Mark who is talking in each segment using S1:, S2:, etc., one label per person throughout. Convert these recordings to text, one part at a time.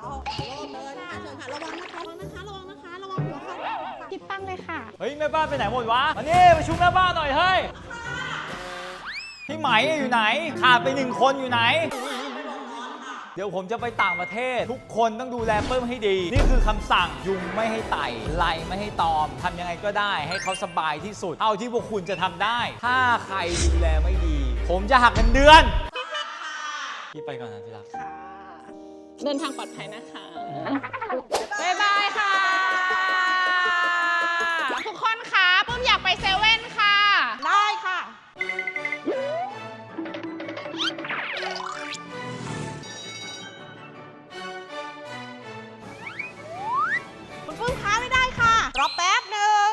S1: เดินค่ะเชิญค่ะระวังนะคะระวังนะคะระวังนะคะระวังหัวค่ะ
S2: คิดตั้งเลยค่ะ
S3: เฮ้ยแม่บ้านไปไหนหมดวะมานี่ประชุมแม่บ้านหน่อยเฮ้ยพี่ไหมอยู่ไหนขาดไป1 คนอยู่ไหนเดี๋ยวผมจะไปต่างประเทศทุกคนต้องดูแลเปิ้มให้ดีนี่คือคำสั่งยุงไม่ให้ไต่ไล่ไม่ให้ตอมทำยังไงก็ได้ให้เขาสบายที่สุดเท่าที่พวกคุณจะทำได้ถ้าใครดูแลไม่ดี ผมจะหักเงินเดือนพี่ไปก่อนนะที่รัก
S2: เดินทางปลอดภัยนะคะบ๊ายบายค่ะ ทุกคนคะปุ้มอยากไปเซเว่นค่ะ
S1: ได้ค่ะคุณปุ้มค้าไม่ได้ค่ะรอแป๊บหนึ่ง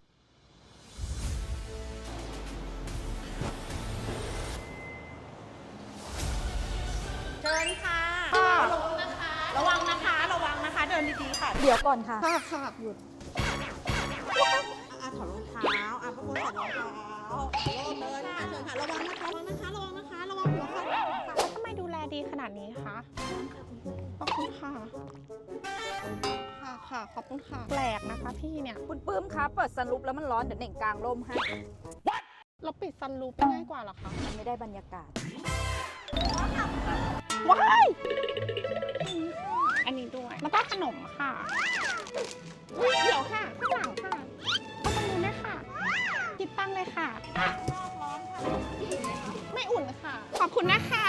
S1: เชิญค่ะระวังนะคะระวังนะคะ เดินดีๆค่ะ
S4: เดี๋ยวก่อนค่ะ
S1: ค่ะหยุดถอดรองเท้าพระคุณถอดรองเท้าเดินค่ะเชิญค่ะระวังนะคะระวังนะคะระวังนะคะระวังหัวค่ะ
S2: แล้วทำไมดูแลดีขนาดนี้คะขอบคุณค่ะ ค่ะ ขอบคุณค่ะ แปลกนะคะพี่เนี่ย
S4: คุณปื้มคะเปิดซันรูฟแล้วมันร้อนเดี๋ยวเน่งกลางร่มให้
S2: เราปิดซันรูปง่ายกว่าเหรอคะ
S4: มันไม่ได้บรรยากาศ
S2: ว้าย อันนี้ด้วย แล้วก็ขนมค่ะอุ๊ยเดี๋ยวค่ะ ข้างหลังค่ะเอาตรงนู้นด้วยค่ะ คิดตั้งเลยค่ะ ไม่อุ่นค่ะ ขอบคุณนะคะ